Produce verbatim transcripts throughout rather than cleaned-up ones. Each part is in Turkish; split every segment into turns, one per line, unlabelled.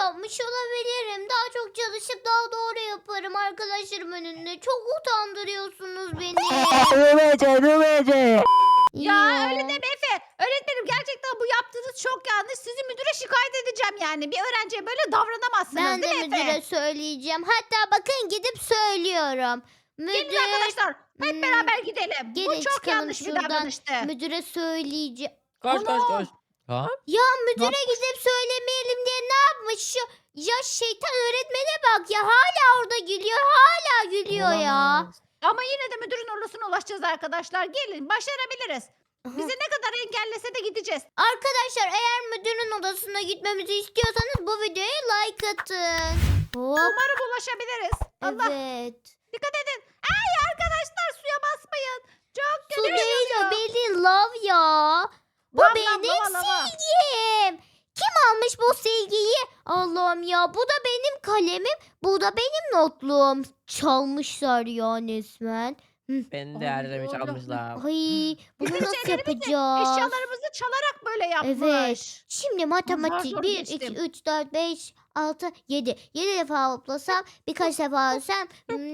yapmış olabilirim. Daha çok çalışıp daha doğru yaparım arkadaşlarım önünde. Çok utandırıyorsunuz beni.
Rumece, Rumece.
Ya öyle deme Efe. Öğretmenim gerçekten bu yaptığınız çok yanlış. Sizi müdüre şikayet edeceğim yani. Bir öğrenciye böyle davranamazsınız
Ben de
değil mi
müdüre
Efe?
söyleyeceğim. Hatta bakın gidip söylüyorum.
Gelin
Müdür.
arkadaşlar hep
Hmm,
beraber gidelim.
gelin
Bu çok
çıkalım
yanlış bir
şuradan.
davranıştı.
Müdüre söyleyeceğim.
Koş koş
Ana!
koş. Ha?
Ya müdüre
yapmış?
gidip söylemeyelim diye ne yapmış şu? Ya şeytan öğretmene bak ya, hala orada gülüyor, hala gülüyor ya.
Olamaz.
Ama yine de müdürün odasına ulaşacağız arkadaşlar. Gelin başarabiliriz.
Aha.
Bizi ne kadar engellese de gideceğiz.
Arkadaşlar eğer müdürün odasına gitmemizi istiyorsanız bu videoya like atın. Hop.
Umarım ulaşabiliriz. Allah
Evet.
dikkat edin. Ay arkadaşlar suya basmayın. Çok
Su
kötü
değil o,
yüzüyor.
benim love ya. Bu
Lav, lav,
benim
lava, lava.
silgim. Kim almış bu silgiyi? Allah'ım ya, bu da benim kalemim. Bu da benim notluğum. Çalmışlar ya resmen.
Beni de yerlemiş
Allah.
almışlar.
Ay, bunu
Bizim
nasıl
şeylerimizi,
yapacağız?
Eşyalarımızı çalarak böyle yapmış.
Evet. Şimdi matematik
zor
bir,
geçtim.
iki, üç, dört, beş, altı, yedi. yedi defa hoplasam, birkaç defa alsam.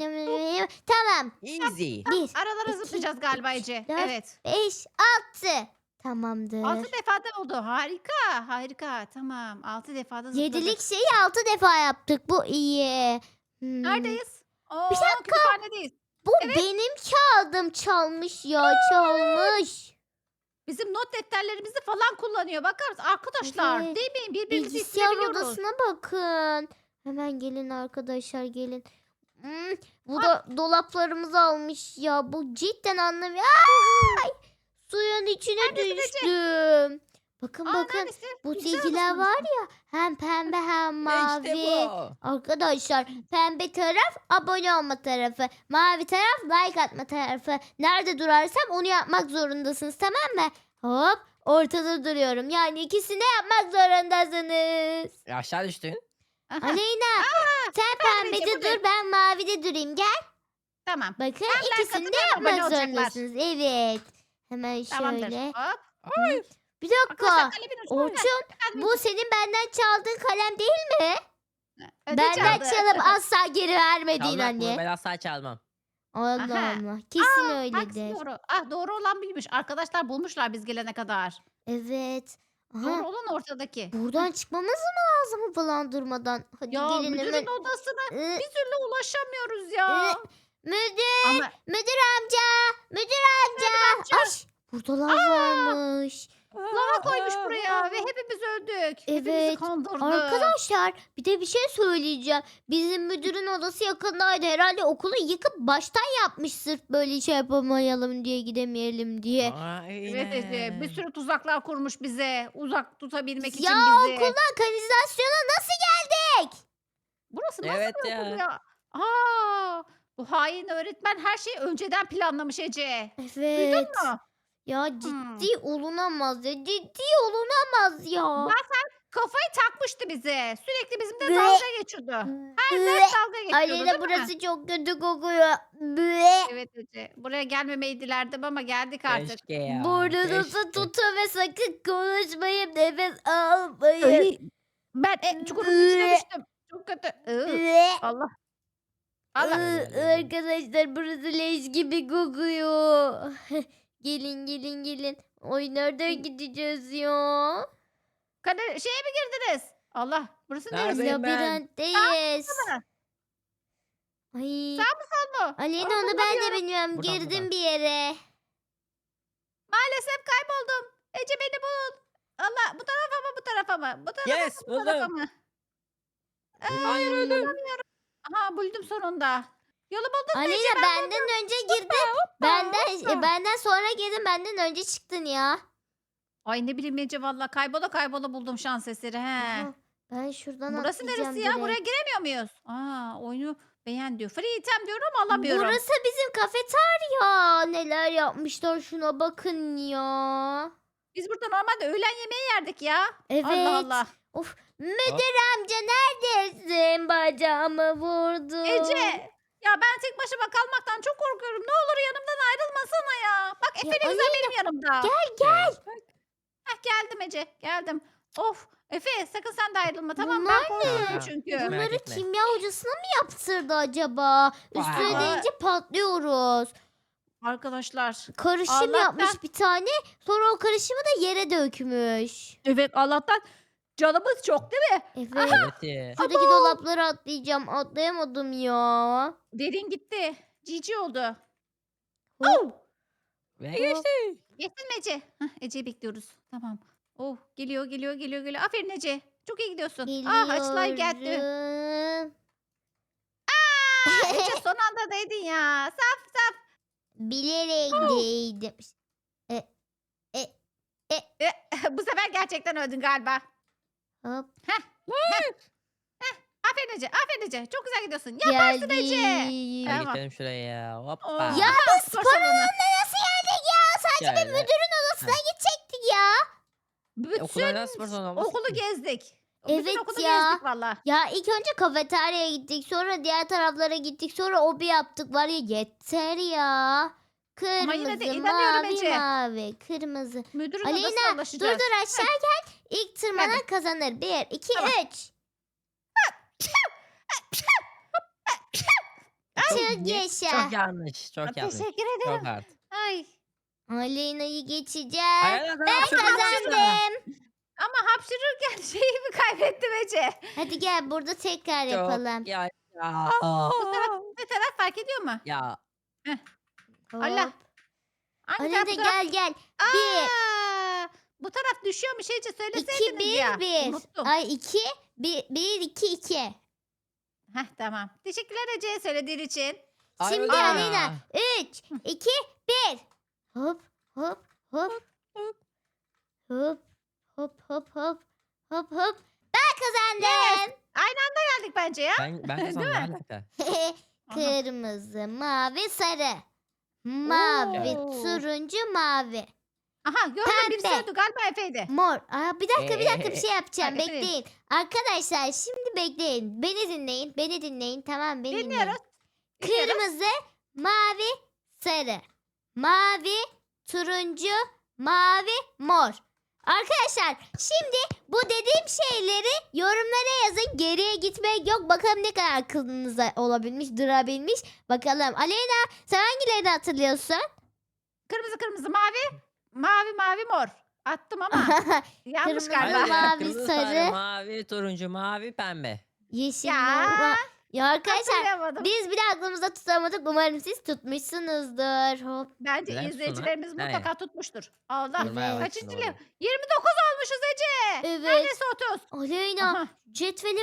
Tamam.
Easy.
bir,
Aralara
iki,
zıplayacağız galiba
üç,
Ece.
dört,
Evet.
beş, altı. Tamamdır.
Altı defada oldu. Harika. Harika. Tamam. Altı defada zıpladık.
Yedilik şeyi altı defa yaptık. Bu iyi. Hmm.
Neredeyiz? Oo,
Bir dakika.
kütüphanedeyiz.
Bu benim kağıdım, çalmış ya, çalmış.
Bizim not defterlerimizi falan kullanıyor. Bakar mısın? Arkadaşlar
Evet.
değil mi? Birbirimizi
Bilgisayar
isteyebiliyoruz.
odasına bakın. Hemen gelin arkadaşlar, gelin. Hmm, bu da dolaplarımızı almış ya. Bu cidden anlamıyor. Ay! Suyun içine
Neredesin Ece?
düştüm. Bakın
Aa,
bakın.
neredesin?
Bu
Bilgisayar
silgiler
odasında
var
mısın?
ya. Hem pembe hem mavi.
İşte bu.
Arkadaşlar pembe taraf abone olma tarafı. Mavi taraf like atma tarafı. Nerede durarsam onu yapmak zorundasınız, tamam mı? Hop, ortada duruyorum. Yani ikisini yapmak zorundasınız.
Aşağı düştün.
Aha,
Aleyna sen
ben de
pembede
buradayım.
dur, ben mavide durayım. Gel.
Tamam.
Bakın
Hem like
ikisini
atın
de
hem abone
yapmak
olacaklar.
zorundasınız. Evet. Hemen
Tamamdır.
şöyle.
Hop.
Hı. Bir
Arkadaşlar
dakika.
kalemin ucunu ver.
Orçun,
Efendim,
bu senin benden çaldığın kalem değil mi?
ödünç
Benden
aldı.
çalıp asla geri vermediğin
Çalmak mı?
anne.
Ben asla çalmam.
Allah
Aha.
Allah. Kesin
Hangisi
öyledir.
doğru? Ah doğru olan buymuş. Arkadaşlar bulmuşlar biz gelene kadar.
Evet.
Doğru
Aha.
olan ortadaki.
Buradan çıkmamız mı lazım falan durmadan? Hadi
Ya
gelin
müdürün
hemen.
odasına
Iı,
bir türlü ulaşamıyoruz ya.
Müdür,
Ama
müdür amca, müdür amca.
amca.
Ay, burada lav varmış.
lava koymuş buraya ve hepimiz öldük. Hepimizi
Evet.
kandırdı.
Arkadaşlar bir de bir şey söyleyeceğim. Bizim müdürün odası yakındaydı. Herhalde okulu yıkıp baştan yapmış sırf böyle şey yapamayalım diye, gidemeyelim diye.
Evet Ece bir sürü tuzaklar kurmuş bize. Uzak tutabilmek için
Ya
bizi.
okuldan kanalizasyona nasıl geldik?
Burası nasıl
Evet
bir
ya.
okul ya? Aa, bu hain öğretmen her şeyi önceden planlamış Ece. Duydun
Evet.
mu?
Ya
Hmm.
ciddi olunamaz ya. Ciddi olunamaz ya.
Kafayı takmıştı bize. Sürekli bizimle
Ve-
dalga geçiyordu. Her
Ve-
ders dalga geçiyordu
Aleyna,
değil mi?
burası çok kötü kokuyor. Be.
Evet Ece. Buraya gelmemeyi dilerdim ama geldik artık.
Keşke ya.
Burnunuzu
keşke.
tutun ve sakın konuşmayın. Nefes almayın.
Ay, ben e, çukurun içine düştüm. Çok kötü. Iı,
Ve-
Allah. Allah.
Iı, Arkadaşlar burası leş gibi kokuyor. Gelin gelin gelin. Oy, nereden gideceğiz ya?
Kader, şeye mi girdiniz? Allah. Burası neresi?
Neredeyim ben?
Labirentteyiz.
mı?
Ay.
Sağ mı sol mu?
Aleyna,
Onu
onu ben de
bulamıyorum.
bilmiyorum.
Buradan,
Girdim
buradan.
bir yere.
Maalesef kayboldum. Ece beni bul. Allah bu tarafa mı bu tarafa mı? Bu tarafa
Yes,
mı bu tarafa
buldum.
mı?
Hayır öldüm.
Aha buldum sonunda. Yolu buldum mu Ece?
Aleyna
Ben
benden önce girdin. Benden
hoppa.
e, benden sonra girdin. Benden önce çıktın ya.
Ay ne bileyim Ece valla kaybola kaybola buldum şans eseri he.
Aha, ben şuradan
Burası
atlayacağım
neresi ya?
direkt.
Buraya giremiyor muyuz? Aa oyunu beğen diyor. Free item diyorum ama alamıyorum.
Burası bizim kafeterya. Neler yapmışlar, şuna bakın ya.
Biz burada normalde öğlen yemeği yerdik ya.
Evet.
Allah Allah.
Of, müdür amca neredesin? Bacağımı vurdu.
Ece ya ben tek başıma kalmaktan çok korkuyorum. Ne olur yanımdan ayrılmasana ya. Bak
Ya
Efe ne güzel benim yanımda.
Gel gel.
Heh, geldim Ece geldim. Of. Efe sakın sen de ayrılma tamam mı?
Bunlar
Ben korkuyorum
ne?
çünkü.
Merak
Bunları
etme.
kimya hocasına mı yaptırdı acaba? Üstüne
Vay.
deyince patlıyoruz.
Arkadaşlar.
Karışım
Allah'tan-
yapmış bir tane. Sonra o karışımı da yere dökmüş.
Evet Allah'tan canımız çok değil mi?
Evet.
Evet. ya.
Şuradaki dolapları atlayacağım. Atlayamadım ya.
Derin gitti. Cici oldu.
Hop.
Ve geçti.
Geçtin mi Ece? Hah, Ece'yi bekliyoruz. Tamam. Oh geliyor geliyor geliyor geliyor. Aferin Ece. Çok iyi gidiyorsun. Ah açılar geldi.
Geliyorum.
Ece son anda değdin ya. Saf saf.
Bilerek değdim.
Bu sefer gerçekten öldün galiba.
Hop.
Aferin Ece. Aferin Ece. Çok güzel gidiyorsun. Yaparsın Ece.
Geldim.
Hadi
Tamam.
geçelim şuraya. Hoppa.
Oh.
Ya
Aha,
biz
spor
spor
salonu.
alanına nasıl geldik ya? Sadece bir
Şöyle.
müdürün odasına gidecektik ya.
Bütün
Okullardan spor salonu olmaz
okulu
ki.
gezdik.
Evet
Bütün okulu
ya.
gezdik valla.
Ya ilk önce kafeteryaya gittik. Sonra diğer taraflara gittik. Sonra obi yaptık. Var ya yeter ya. Kırmızı,
yine de inanıyorum
mavi,
Ece.
mavi, kırmızı.
Müdürün
Aleyna
odasına
dur
ulaşacağız.
dur aşağı gel. İlk tırmanan kazanır. Bir, iki,
Tamam.
üç.
Çok-
Çık yaşa.
Çok yanlış. Çok yanlış.
Teşekkür ederim.
Çok hard.
Ay.
Aleyna'yı geçeceğim.
Aynen,
Ben
tamam, şurada, şurada.
kazandım.
Ama hapşırırken şeyimi kaybettim Ece.
Hadi gel burada tekrar
Çok
yapalım.
Ya. Ya.
Bu taraf, bu taraf fark ediyor mu?
Ya.
Hop.
Allah. Hangi
Aleyna
taraf bu taraf?
gel gel. Bir,
Aa, bu taraf düşüyormuş Ece
iki,
söyleseydiniz
bir,
ya.
bir.
Unuttum.
Ay iki, bir, bir, iki, iki.
Heh, tamam. Teşekkürler Ece söylediğin için.
Ay,
Şimdi
öyle ya.
Aleyna. Üç, iki, bir. Hop, hop, hop.
hop.
Hop, hop, hop, hop. Hop, hop. Ben kazandım.
Aynı anda geldik bence ya.
Ben, ben kazandım.
Değil
Ne
mi?
alaka?
Aha.
Kırmızı, mavi, sarı. Mavi,
Oo.
turuncu, mavi.
Aha gördüm birisi
Pembe.
öldü galiba Efe'ydi.
Mor. Aa, bir dakika bir dakika bir şey yapacağım.
Hadi, efendim.
Bekleyin. Arkadaşlar şimdi bekleyin. Beni dinleyin. Beni dinleyin. Tamam beni dinleyin.
Dinliyoruz. Dinliyoruz.
Kırmızı, mavi, sarı. Mavi, turuncu, mavi, mor. Arkadaşlar şimdi bu dediğim şeyleri yorumlara yazın. Geriye gitmek yok. Bakalım ne kadar aklınıza olabilmiş, durabilmiş. Bakalım. Aleyna sen hangilerini hatırlıyorsun?
Kırmızı kırmızı mavi. Mavi mavi mor. Attım ama yanlış
Kırmızı,
galiba.
mavi,
Aynen, kırmızı,
sarı.
mavi, turuncu, mavi, pembe.
Yeşil,
Ya.
mor, ma- Ya arkadaşlar
Hatırlayamadım.
biz bile aklımızda tutamadık. Umarım siz tutmuşsunuzdur. Hop.
Bence
Güzel
izleyicilerimiz
tutun ha.
mutlaka tutmuştur. Allah.
Evet.
Kaçıncı
Doğru.
lev? yirmi dokuz olmuşuz Ece.
Evet.
Neredeyse otuz.
Aleyna
Aha.
cetveli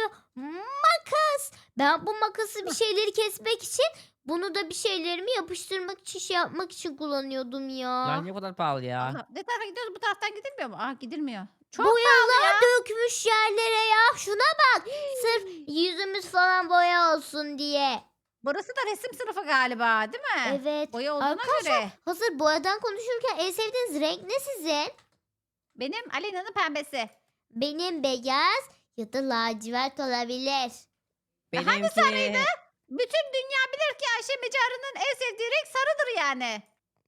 makas. Ben bu makası bir şeyleri kesmek için bunu da bir şeylerimi yapıştırmak için şey yapmak için kullanıyordum ya.
Lan niye bu kadar pahalı ya?
Allah. Ne tarafa gidiyoruz? Bu taraftan gidilmiyor mu? Aa gidilmiyor. Çok
Boyalar dökmüş yerlere ya. Şuna bak. Sırf yüzümüz falan boya olsun diye.
Burası da resim sınıfı galiba değil mi?
Evet.
Boya olduğuna
Arkadaşlar
göre.
hazır boyadan konuşurken en sevdiğiniz renk ne sizin?
Benim Alena'nın pembesi.
Benim beyaz ya da lacivert olabilir.
Benimki...
sarıydı? Bütün dünya bilir ki Ayşe Mecarı'nın en sevdiği renk sarıdır yani.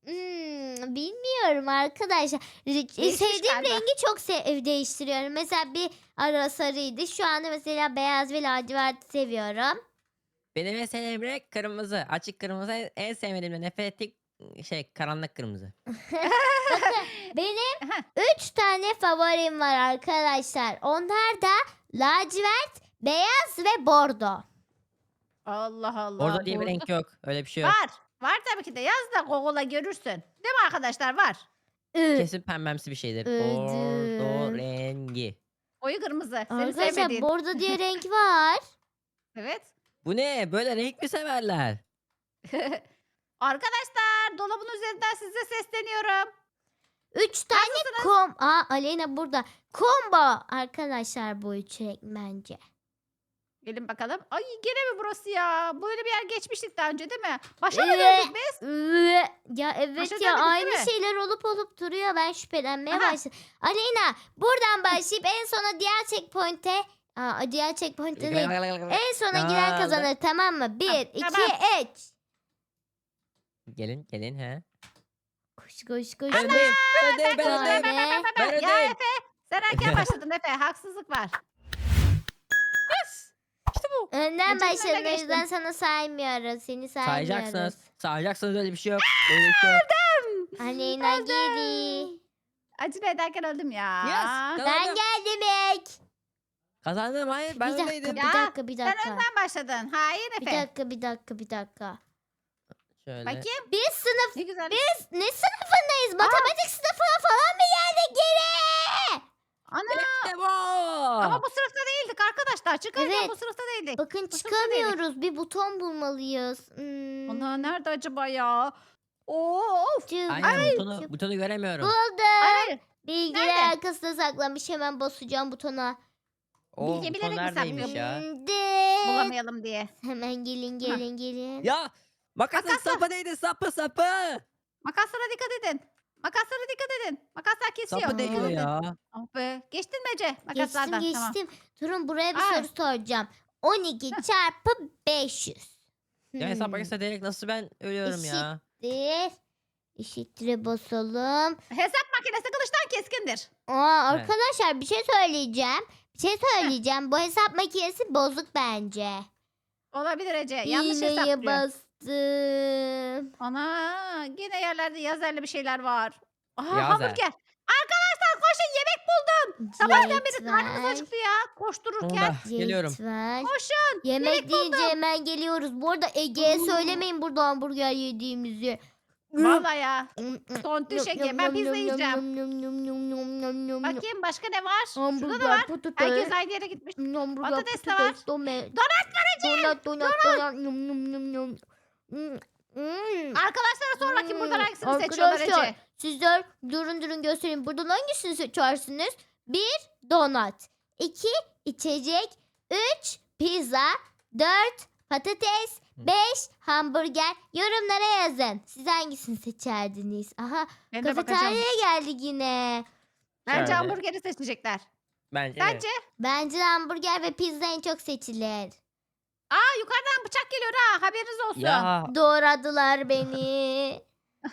Hmm, bilmiyorum arkadaşlar. Re-
Değişmiş
Sevdiğim
galiba.
rengi çok se- değiştiriyorum. Mesela bir ara sarıydı. Şu anda mesela beyaz ve lacivert seviyorum.
Benim en sevdiğim renk kırmızı. Açık kırmızı en- en sevmediğim de nefret ettiğim şey karanlık kırmızı.
Bakın benim üç tane favorim var arkadaşlar. Onlar da lacivert, beyaz ve bordo.
Allah Allah.
Orada diye bir
bordo.
renk yok. Öyle bir şey yok.
Var. Var tabii ki de. Yaz da Google'a görürsün. Değil mi arkadaşlar? Var.
Ü.
Kesin pembemsi bir şeydir.
Ödüm.
Bordo rengi.
Oyu kırmızı. Seni
Arkadaşlar
sevmediğin.
bordo diye renk var.
Evet.
Bu ne? Böyle renk mi severler?
Arkadaşlar dolabın üzerinden size sesleniyorum.
Üç tane kom... Aa Aleyna burada. Combo arkadaşlar bu üç renk bence.
Gelin bakalım. Ay gene mi burası ya? Böyle bir yer geçmiştik daha önce değil mi? Başa mı
Evet.
döndük biz?
Üe, Ya evet
Başa
ya
dönmedik, değil
aynı
mi?
şeyler olup olup duruyor. Ben şüphelenmeye
Aha.
başladım. Aleyna buradan başlayıp en sona diğer checkpoint'e Aa, diğer checkpoint'e değil. En sona giren
Aa,
kazanır tamam mı? Bir,
Ha,
iki,
tamam.
üç.
Gelin gelin he.
Koş koş koş.
Ben öndeyim. Ben öndeyim. Ben
Ana!
öndeyim.
Tane.
Ben
Ya
öndeyim.
Efe Sen erken başladın Efe. Haksızlık var.
İşte bu.
Önden
Ece'nin önüne
başladın o
geçtin.
yüzden sana saymıyoruz. Seni saymıyoruz.
Sayacaksınız. Sayacaksınız, öyle bir şey yok. Öyle bir şey yok.
Aleyna geri.
Acele ederken öldüm ya.
Yes,
Ben
kazandım.
geldim ilk.
Kazandım, hayır
Bir
ben
dakika,
öndeydim.
bir
Ya,
dakika, bir
Sen
dakika.
önden başladın. Hain
Bir
Efe.
dakika, bir dakika, bir dakika.
Şöyle.
Bakayım.
Biz sınıf,
Ne güzel.
biz ne sınıfındayız? Matematik sınıfına falan mı geldik geri?
Ana.
İşte bu.
Ama bu sınıfta değildik arkadaşlar. Çıkarken
Evet.
bu sınıfta değildik.
Bakın
Bu sınıfta değildik.
çıkamıyoruz. Bir buton bulmalıyız. Hmm.
Ana nerede acaba ya? Of.
Cıvık,
Aynen, butonu,
cıvık.
butonu göremiyorum.
Buldum.
Hayır.
Bilgiler
Nerede?
arkasında saklanmış. Hemen basacağım butona.
O
Bilge
buton
bilerek mi
neredeymiş
saklıyor?
ya?
Dıt.
Bulamayalım diye.
Hemen gelin, gelin, gelin.
Ya makasın
Makasla.
sapı değdi, sapı sapı.
Makaslara dikkat edin. Makaslara dikkat edin. Makaslar kesiyor.
Sapı
Dikkat
değiyor
edin.
ya.
Oh be. Geçtin mi Ece?
Geçtim,
Makaslardan. Tamam.
geçtim. Durun, buraya bir
Ay.
soru soracağım. on iki çarpı beş yüz.
Ya hesap
Hmm.
makinesi direkt nasıl ben ölüyorum ya.
Eşittir. Eşittir'e basalım.
Hesap makinesi kılıçtan keskindir.
Aa,
Evet.
arkadaşlar bir şey söyleyeceğim. Bir şey söyleyeceğim. Bu hesap makinesi bozuk bence.
Olabilir Ece. Yanlış
İğneye
hesaplıyor.
bastım.
Ana yine yerlerde yazarlı bir şeyler var. Aha
Yazer.
hamburger. Arkadaşlar koşun yemek buldum. Sabahtan beri karnımız
Cetvel,
acıktı ya koştururken.
Onda geliyorum.
cetvel.
Koşun.
Yemek deyince hemen geliyoruz. Bu arada Ege'ye
Oo.
söylemeyin burada hamburger yediğimizi.
Vallahi ya. Tontiş Ege. Ben pizza yiyeceğim.
yiyeceğim.
Bakayım başka ne var? Şurada da
Hamburger,
var.
patates.
Herkes aynı yere gitmiş.
Hamburger,
patates de var.
patates, dome-
Donat var Ece.
Donat, donat, donat. Num, num, num, num. Hmm, hmm.
Arkadaşlara sor bakayım buradan
Hmm,
hangisini seçiyorlar
arkadaşlar,
Ece.
Sizler durun durun göstereyim. Buradan hangisini seçersiniz? Bir donat. iki içecek. Üç pizza. Dört patates. Beş hamburger. Yorumlara yazın. Siz hangisini seçerdiniz? Aha,
Ben de bakacağım.
kafeteryaya geldik yine.
Bence
Şöyle.
hamburgeri seçecekler.
Bence de.
Bence.
Bence de hamburger ve pizza en çok seçilir.
Aa yukarıdan bıçak geliyor ha haberiniz olsun.
Ya
Doğradılar beni.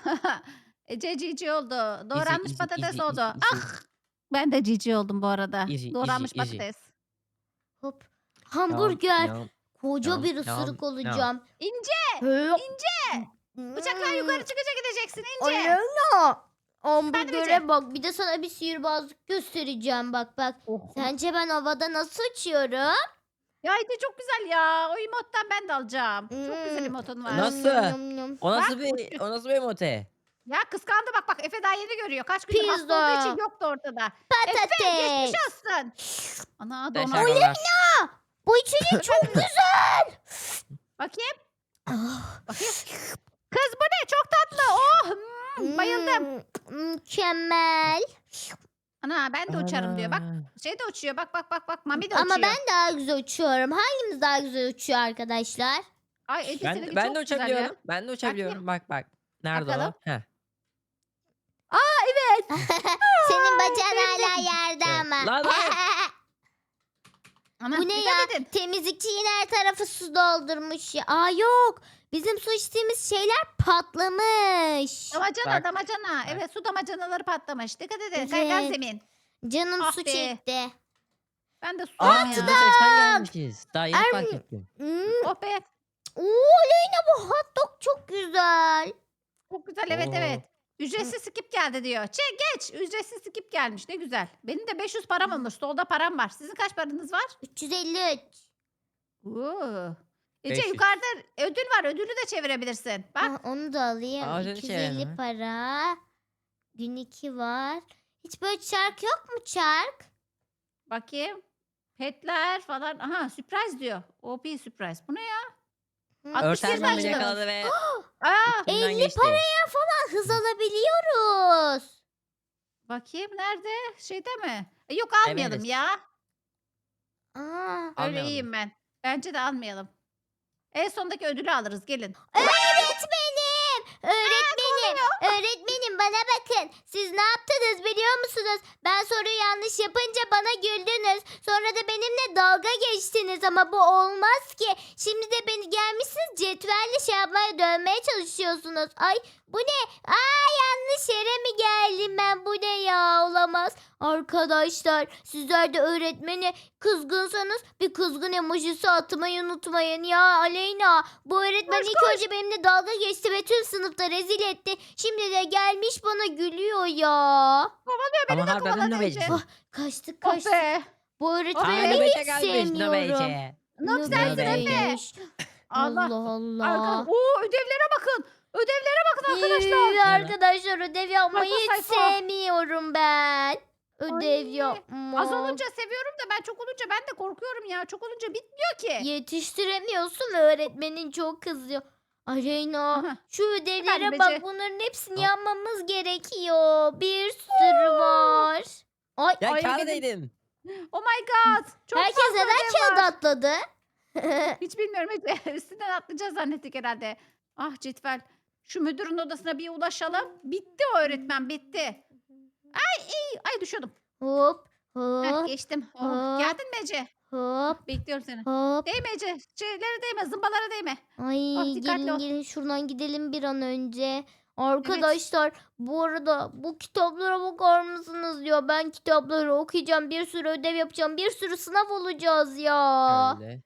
Ece cici oldu. Doğranmış
easy,
patates
easy,
oldu.
easy, easy.
Ah ben de cici oldum bu arada.
Easy,
Doğranmış
easy, easy.
patates.
Hop. Hamburger.
Yam,
Koca
yam,
bir
yam,
ısırık
yam.
olacağım.
İnce.
Hop.
İnce. Bıçaklar yukarı çıkınca gideceksin ince.
Alena. Hamburgere
Ece.
bak. Bir de sana bir sihirbazlık göstereceğim. Bak bak.
Oh.
Sence ben havada nasıl uçuyorum?
Ya Ece çok güzel ya. O emottan ben de alacağım. Çok güzel
Hmm.
emotun var.
Nasıl?
Yum, yum, yum.
O nasıl
Bak,
bir o nasıl bir emote?
Ya kıskandı bak bak Efe daha yeni görüyor. Kaç gündür hasta
Pizza.
olduğu için yoktu ortada. Efe
Patates.
geçmiş olsun. Ana
Teşekkür
donat.
ederim.
Bu içecek çok güzel.
Bakayım.
Ah,
Bakayım. Kız bu ne? Çok tatlı. Oh. hmm, bayıldım.
hmm, Mükemmel.
Ana ben de uçarım diyor. Bak şey de uçuyor. Bak bak bak bak. Mami de uçuyor.
Ama ben daha güzel uçuyorum. Hangimiz daha güzel uçuyor arkadaşlar?
Ay Ece
Ben,
seninki
ben
çok
de
güzel ya.
uçabiliyorum. Ben de uçabiliyorum. Bak bak. Nerede
Bakalım.
o? Heh.
Senin bacağın hala yerde
Evet.
ama.
Lan, lan.
Ana,
Bu ne ya?
dikkat edin.
Temizlikçi yine her tarafı su doldurmuş ya. Aa yok. Bizim su içtiğimiz şeyler patlamış.
Damacana
Bak.
damacana.
Bak.
Evet su damacanaları patlamış. Dikkat edin.
Evet.
Kaygan zemin.
Canım
Ah
su
be.
çekti.
Ben de su
Aa,
ya.
yüzde seksen gelmişiz. Daha yeni
Er-
fark ettim.
Hmm.
Oh be.
Oo Leyna, bu hot dog çok güzel.
Çok güzel evet
Oo.
evet. Ücretsiz skip geldi diyor. Çek geç. Ücretsiz skip gelmiş. Ne güzel. Benim de beş yüz param olmuş. Solda param var. Sizin kaç paranız var?
üç yüz elli üç.
Oo. Ece
beş yüz.
yukarıda ödül var. Ödülü de çevirebilirsin. Bak.
Ah, onu da alayım.
Aa, ödülü
iki yüz elli
çevirelim.
para. Gün iki var. Hiç böyle çark yok mu çark?
Bakayım. Petler falan. Aha sürpriz diyor. O P sürpriz. Bu ne ya?
Hı,
altmış bir
Örten beni
başladı.
yakaladı ve
Aa,
içinden
elli
geçti.
paraya falan hız alabiliyoruz.
bakayım nerede? Şeyde mi? E, yok almayalım
Evet.
ya.
Aa,
Öyle
Almayalım mı?
iyiyim ben. Bence de almayalım. En sondaki ödülü alırız gelin.
öğretmenim. Öğretmenim. Öğretmenim bakın bana bakın. Siz ne yaptınız biliyor musunuz? Ben soruyu yanlış yapınca bana güldünüz. Sonra da benimle dalga geçtiniz ama bu olmaz ki. Şimdi de beni gelmişsiniz cetvelle şey yapmaya dövmeye çalışıyorsunuz. Ay bu ne? Aa yanlış yere mi geldim ben? Bu ne ya? Olamaz. Arkadaşlar sizler de öğretmeni kızgınsanız bir kızgın emojisi atmayı unutmayın ya. Aleyna bu öğretmen
Koş,
ilk önce benimle dalga geçti ve tüm sınıfta rezil etti. Şimdi de gelmiş bana gülüyor ya.
Kovalıyor beni
Ama
de
harbiden
kovaladı
ne
Ece.
beceri?
Ah, kaçtık
Oh
kaçtık.
be.
Bu
Aa,
öğretmeni
Nöbece
hiç
gelmiş
sevmiyorum.
Nöbece.
Noob sensin Efe.
Nöbeymiş.
Allah.
Allah Allah.
Arka- Oo ödevlere bakın. Ödevlere bakın arkadaşlar.
Ee, arkadaşlar ödev yapmayı
Sayfa,
hiç
sayfa.
sevmiyorum ben. Ödev
Ay,
yapmak.
Az olunca seviyorum da ben çok olunca ben de korkuyorum ya. Çok olunca bitmiyor ki.
Yetiştiremiyorsun ve öğretmenin çok kızıyor. Aleyna
Aha.
şu ödevlere
Efendim
bak
Ece?
bunların hepsini
Hop.
yapmamız gerekiyor. Bir sürü var. Ay
Ya
Ay,
kağıda
benim-
değdim.
Oh my god. Çok
herkes
fazla
neden
ödev
kağıda
var.
atladı?
Hiç bilmiyorum. Hiç- Üstünden atlayacağız zannettik herhalde. Ah Cetvel. Şu müdürün odasına bir ulaşalım. Bitti o öğretmen bitti. Ay ay, ay düşüyordum.
Hop
Heh,
hop
geçtim. Oh,
hop.
geldin mi Ece?
hop
Bekliyorum seni.
hop.
Değme Ece. Şeylere değme. Zımbalara değme.
Ay
Ah, dikkatli
gelin
ol.
gelin şuradan gidelim bir an önce. Arkadaşlar bu arada bu kitaplara bakar mısınız ya? Ben kitapları okuyacağım. Bir sürü ödev yapacağım. Bir sürü sınav olacağız ya.
Öyle.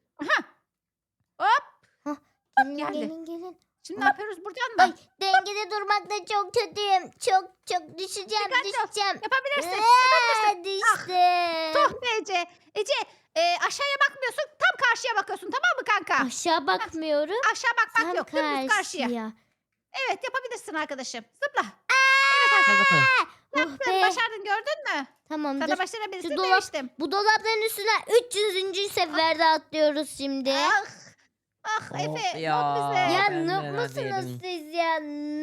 Gelin
geldi.
gelin gelin.
Şimdi ne yapıyoruz buradan mı?
Ay dengede durmakta çok kötüyüm. Çok çok düşeceğim
Dikkatli ol.
düşeceğim.
Yapabilirsin.
Aa, düştüm.
Tuh be Ece. Ece e, aşağıya bakmıyorsun. Tam karşıya bakıyorsun. Tamam mı kanka?
Aşağı bakmıyorum.
Aşağı bakmak
Tam
yok. Dümdüz karşıya.
karşıya.
Evet yapabilirsin arkadaşım. Zıpla.
Hadi bakalım.
Oh
Yaptın.
be.
Başardın gördün mü?
Tamamdır.
Sana başarabilirsin
Şu dolap-
demiştim.
Bu dolapların üstüne üç yüzüncü seferde atlıyoruz şimdi.
Ah. Ah
Of
Efe.
ya.
Ya. bize.
Ya
ben
noob
neler
musunuz
yedim.
siz ya?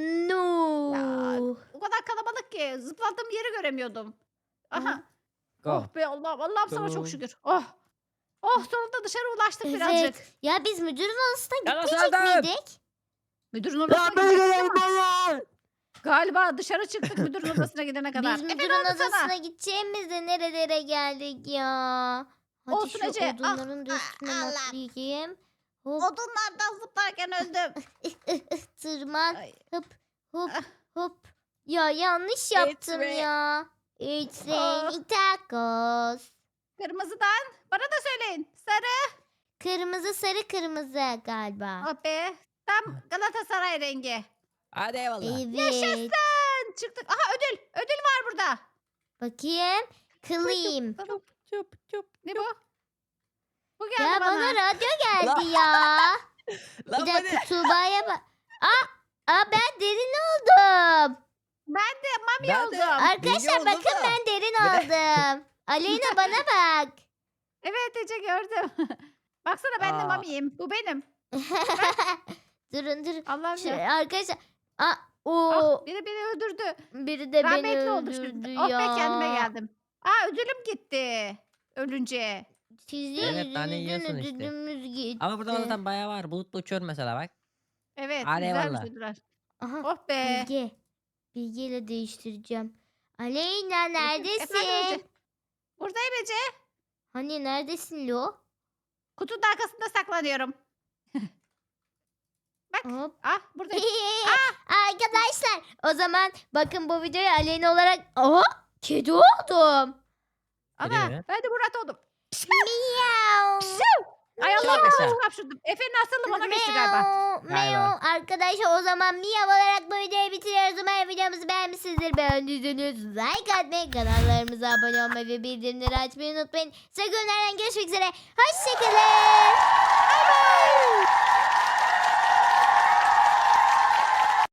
Noob.
O kadar kalabalık ki zıpladığım yeri göremiyordum. Aha.
Go.
Oh be Allah'ım. Allah'ım sana
Go.
çok şükür. Oh. Oh sonunda dışarı ulaştık
Evet.
birazcık.
Ya biz müdürün odasına
Ya
gitmeyecek
Serdar!
miydik?
Müdürün
Ya
odasına
ben
gidecektik ama
geldim.
galiba dışarı çıktık müdürün odasına gidene kadar.
Biz
Efe
müdürün
ne oldu
odasına
sana?
gideceğimizde nerelere geldik ya? Hadi
Olsun
şu
Ece. Ah,
odunların da
ah,
üstüne
Allah.
atlayayım. Hop
Odunlardan zıplarken öldüm.
tırman.
Ay.
Hop hop
Ah.
hop. Ya yanlış yaptım
rain.
ya. It's
Ah.
raining tacos.
Kırmızıdan bana da söyleyin. Sarı.
Kırmızı sarı kırmızı galiba.
Oh be. Tam Galatasaray rengi.
Hadi eyvallah.
Evet.
Yaşasın. Çıktık. Aha ödül. Ödül var burada.
Bakayım. Kılayım.
Tamam.
Çöp çöp.
Ne bu? Bu geldi
Ya
bana.
bana radyo geldi ya.
Lan
Bir
bu
dakika
ne?
Tuğba'ya bak. Aa, aa ben derin oldum.
Ben de mami
Ben de-
oldum.
Arkadaşlar
oldum
bakın
da.
ben derin
Bir de-
oldum. Aleyna bana bak.
Evet Ece gördüm. Baksana ben de
Aa.
mamiyim. Bu benim.
durun durun.
Allah'ım
Şu,
ya.
arkadaşlar. Aa, o
Ah, biri beni öldürdü.
biri de beni
Rahmetli oldu
öldürdü
şimdi.
ya.
Oh be kendime geldim. Aa ödülüm gitti. Ölünce.
Sizin
Evet, tane
yüzünüzden
yiyorsun işte.
ödülümüz gitti.
Ama burada zaten bayağı var. Bulutla uçuyorum mesela bak.
Evet
Hadi
güzelmiş
eyvallah.
ödüller.
Aha,
Oh be.
Bilge. Bilge ile değiştireceğim. Aleyna
Efendim
neredesin?
Ece? Buradayım Ece.
Hani neredesin Lo?
Kutunun arkasında saklanıyorum.
Hop.
Ah buradayım.
Arkadaşlar o zaman bakın bu videoya Aleyna olarak Aha, kedi oldum.
Ana
mi?
ben de Murat oldum.
Miau.
Ay Allah
Çok
ben
yaşa.
çok hapşurdum. Efe'nin hastalığı bana geçti galiba.
Miau, miau. Arkadaşlar o zaman Miyav olarak bu videoyu bitiriyoruz. Umarım videomuzu beğenmişsinizdir. Beğendiyseniz like atmayı, kanallarımıza abone olmayı ve bildirimleri açmayı unutmayın. Size günlerden görüşmek üzere. Hoşçakalın.